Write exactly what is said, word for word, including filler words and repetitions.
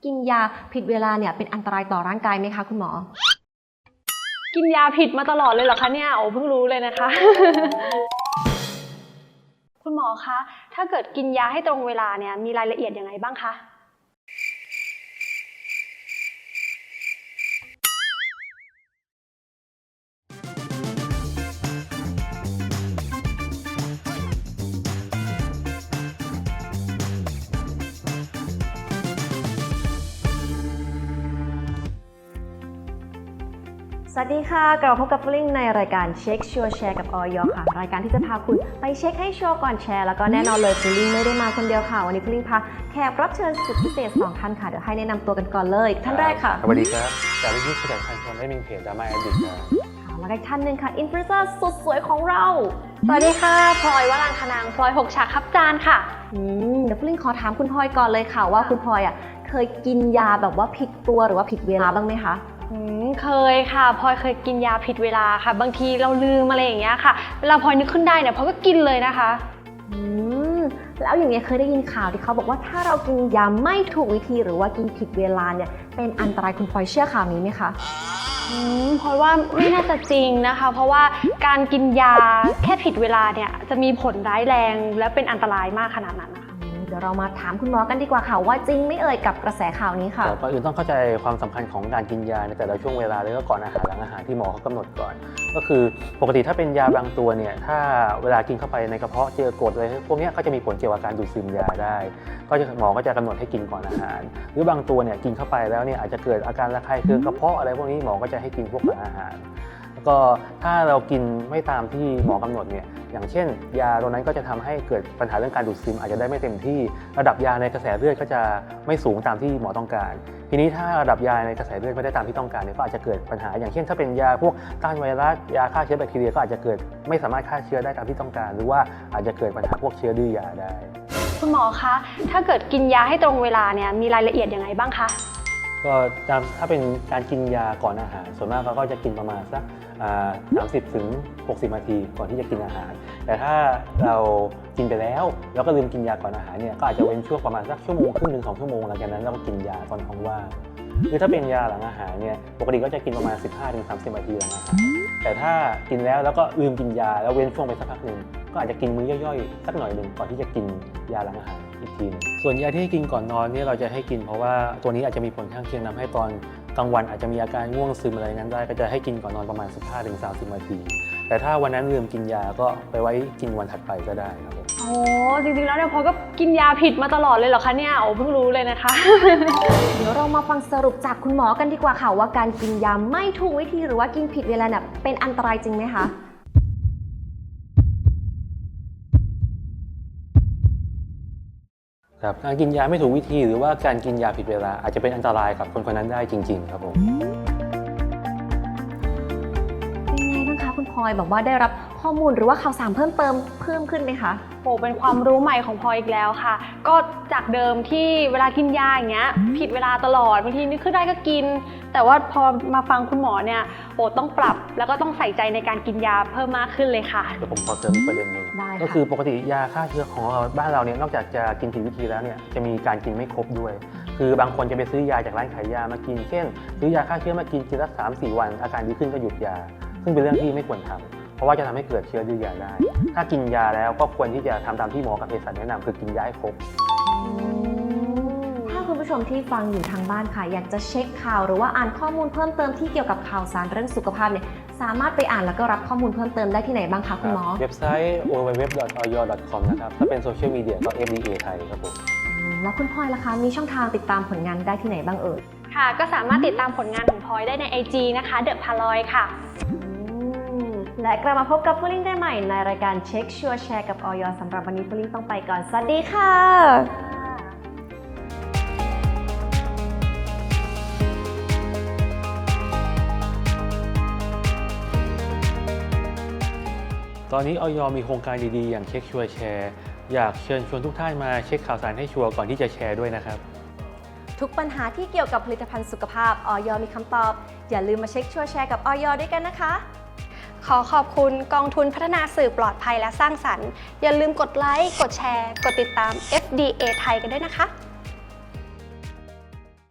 กินยาผิดเวลาเนี่ยเป็นอันตรายต่อร่างกายไหมคะคุณหมอกินยาผิดมาตลอดเลยเหรอคะเนี่ยโอ้เพิ่งรู้เลยนะคะ คุณหมอคะถ้าเกิดกินยาให้ตรงเวลาเนี่ยมีรายละเอียดยังไงบ้างคะสวัสดีค่ะกลับมาพบกับฟลิงในรายการเช็คชัวร์แชร์กับออยค่ะรายการที่จะพาคุณไปเช็คให้ชัวร์ก่อนแชร์แล้วก็แน่นอนเลยฟลิงไม่ได้มาคนเดียวค่ะวันนี้ฟลิงพาแขกรับเชิญสุดพิเศษสองท่านค่ะเดี๋ยวให้แนะนำตัวกันก่อนเลยท่านแรกค่ะสวัสดีครับจากวิทยุขยันพันชนได้มีเพจดราม่าแอดดิกครับแล้วก็อีกท่านหนึ่งค่ะอินฟลูเอนเซอร์สุดสวยของเราสวัสดีค่ะพลอยวรางคนางพลอยหกฉากครับจานค่ะอืมเดี๋ยวฟลิงขอถามคุณพลอยก่อนเลยค่ะว่าคุณพลอยอ่ะเคยกินยาแบบว่าผิดตัวหรือว่าผิดเวลาบ้างไหมคะเคยค่ะพลอยเคยกินยาผิดเวลาค่ะบางทีเราลืมอะไรอย่างเงี้ยค่ะเวลาพลอยนึกขึ้นได้เนี่ยพลอยก็กินเลยนะคะอืมแล้วอย่างเงี้ยเคยได้ยินข่าวที่เขาบอกว่าถ้าเรากินยาไม่ถูกวิธีหรือว่ากินผิดเวลาเนี่ยเป็นอันตรายคุณพลอยเชื่อข่าวนี้ไหมคะอืมพลอยว่าไม่น่าจะจริงนะคะเพราะว่าการกินยาแค่ผิดเวลาเนี่ยจะมีผลร้ายแรงและเป็นอันตรายมากขนาดนั้นเดี๋ยวเรามาถามคุณหมอกันดีกว่าค่ะว่าจริงไม่เอ่ยกับกระแสข่าวนี้ค่ะก่อนอื่นต้องเข้าใจความสำคัญของการกินยาในแต่ละช่วงเวลาแล้วก็ก่อนอาหารหลังอาหารที่หมอเขากำหนดก่อนก็คือปกติถ้าเป็นยาบางตัวเนี่ยถ้าเวลากินเข้าไปในกระเพาะเจอกรดอะไรพวกนี้ก็จะมีผลเกี่ยวกับการดูดซึมยาได้ก็จะหมอก็จะกำหนดให้กินก่อนอาหารหรือบางตัวเนี่ยกินเข้าไปแล้วเนี่ยอาจจะเกิดอาการระคายเคืองกระเพาะอะไรพวกนี้หมอก็จะให้กินพวกหลังอาหารแล้วก็ถ้าเรากินไม่ตามที่หมอกำหนดเนี่ยอย่างเช่นยาตัวนั้นก็จะทำให้เกิดปัญหาเรื่องการดูดซึมอาจจะได้ไม่เต็มที่ระดับยาในกระแสเลือดก็จะไม่สูงตามที่หมอต้องการทีนี้ถ้าระดับยาในกระแสเลือดไม่ได้ตามที่ต้องการเนี่ยก็อาจจะเกิดปัญหาอย่างเช่นถ้าเป็นยาพวกต้านไวรัสยาฆ่าเชื้อแบคทีเรียก็อาจจะเกิดไม่สามารถฆ่าเชื้อได้ตามที่ต้องการหรือว่าอาจจะเกิดปัญหาพวกเชื้อดื้อยาได้คุณหมอคะถ้าเกิดกินยาให้ตรงเวลาเนี่ยมีรายละเอียดยังไงบ้างคะก็ถ้าเป็นการกินยาก่อนอาหารส่วนมากเราก็จะกินประมาณสักสามสิบถึงหกสิบนาทีก่อนที่จะกินอาหารแต่ถ้าเรากินไปแล้วแล้วก็ลืมกินยาก่อนอาหารเนี่ยก็อาจจะเว้นช่วงประมาณสักชั่วโมงครึ่งถึงสองชั่วโมงหลังจากนั้นเราก็กินยาตอนท้องว่างคือถ้าเป็นยาหลังอาหารเนี่ยปกติก็จะกินประมาณ สิบห้าถึงสามสิบนาทีหลังอาหารแต่ถ้ากินแล้วแล้วก็ลืมกินยาแล้วเว้นช่วงไปสักพักหนึ่งก็อาจจะกินมื้อย่อยๆสักหน่อยหนึ่งก่อนที่จะกินยาหลังอาหารอีกทีนึงส่วนยาที่ให้กินก่อนนอนเนี่ยเราจะให้กินเพราะว่าตัวนี้อาจจะมีผลข้างเคียงทำให้ตอนกลางวันอาจจะมีอาการง่วงซึมอะไรนั้นได้ก็จะให้กินก่อนนอนประมาณ สิบห้าถึงสามสิบนาทีแต่ถ้าวันนั้นลืมกินยาก็ไปไว้กินวันถัดไปก็ได้ครับผมโอ้จริงๆแล้วเนี่ยพลอยก็กินยาผิดมาตลอดเลยเหรอคะเนี่ยโอ้เพิ่งรู้เลยนะคะเดี๋ยวเรามาฟังสรุปจากคุณหมอกันดีกว่าค่ะว่าการกินยาไม่ถูกวิธีหรือว่ากินผิดเวลาเนี่ยเป็นอันตรายจริงไหมคะครับการกินยาไม่ถูกวิธีหรือว่าการกินยาผิดเวลาอาจจะเป็นอันตรายกับคนคนนั้นได้จริงๆครับผมเป็นไงบ้างคะคุณพลอยแบบว่าได้รับข้อมูลหรือว่าข่าวสารเพิ่มเติมเพิ่มขึ้นไหมคะโอ้เป็นความรู้ใหม่ของพลอยอีกแล้วค่ะก็จากเดิมที่เวลากินยาอย่างเงี้ยผิดเวลาตลอดบางทีนึกขึ้นได้ก็กินแต่ว่าพอมาฟังคุณหมอเนี่ยโอ้ต้องปรับแล้วก็ต้องใส่ใจในการกินยาเพิ่มมากขึ้นเลยค่ะเดี๋ยวผมขอเสริมประเด็นหนึ่งก็คือปกติยาฆ่าเชื้อของเราบ้านเราเนี่ยนอกจากจะกินผิดวิธีแล้วเนี่ยจะมีการกินไม่ครบด้วยคือบางคนจะไปซื้อยาจากร้านขายยามากินเช่นซื้อยาฆ่าเชื้อมากินกินสักสามสี่วันอาการดีขึ้นก็หยุดยาซึ่งเป็นเรื่องที่ไม่ควรทำเพราะว่าจะทำให้เกิดเชื้อดื้อยาได้ถ้ากินยาแล้วก็ควรที่จะทำตามที่หมอกับเภสัชแนะนำคือกินยาให้ครบถ้าคุณผู้ชมที่ฟังอยู่ทางบ้านค่ะอยากจะเช็คข่าวหรือว่าอ่านข้อมูลเพิ่มเติมที่เกี่ยวกับข่าวสารเรื่องสุขภาพเนี่ยสามารถไปอ่านแล้วก็รับข้อมูลเพิ่มเติมได้ที่ไหนบ้างคะคุณหมอเว็บไซต์ ดับเบิลยู ดับเบิลยู ดับเบิลยู ดอท ออย ดอท คอม นะครับถ้าเป็นโซเชียลมีเดียก็ เอฟ ดี เอ ไทยครับผมแล้วคุณพลอยล่ะคะมีช่องทางติดตามผลงานได้ที่ไหนบ้างเอ่ยค่ะก็สามารถติดตามผลงานของพลอยได้ใน ไอ จี นะคะเดอะพาลอยค่ะและกลับมาพบกับฟลิงได้ใหม่ในรายการเช็คชัวร์แชร์กับออยสำหรับวันนี้ฟลิงต้องไปก่อนสวัสดีค่ะตอนนี้ออยมีโครงการดีๆอย่างเช็คชัวร์แชร์อยากเชิญชวนทุกท่านมาเช็คข่าวสารให้ชัวร์ก่อนที่จะแชร์ด้วยนะครับทุกปัญหาที่เกี่ยวกับผลิตภัณฑ์สุขภาพออยมีคำตอบอย่าลืมมาเช็คชัวร์แชร์กับออยด้วยกันนะคะขอขอบคุณกองทุนพัฒนาสื่อปลอดภัยและสร้างสรรค์อย่าลืมกดไลค์กดแชร์กดติดตาม เอฟ ดี เอ ไทยกันด้วยนะคะ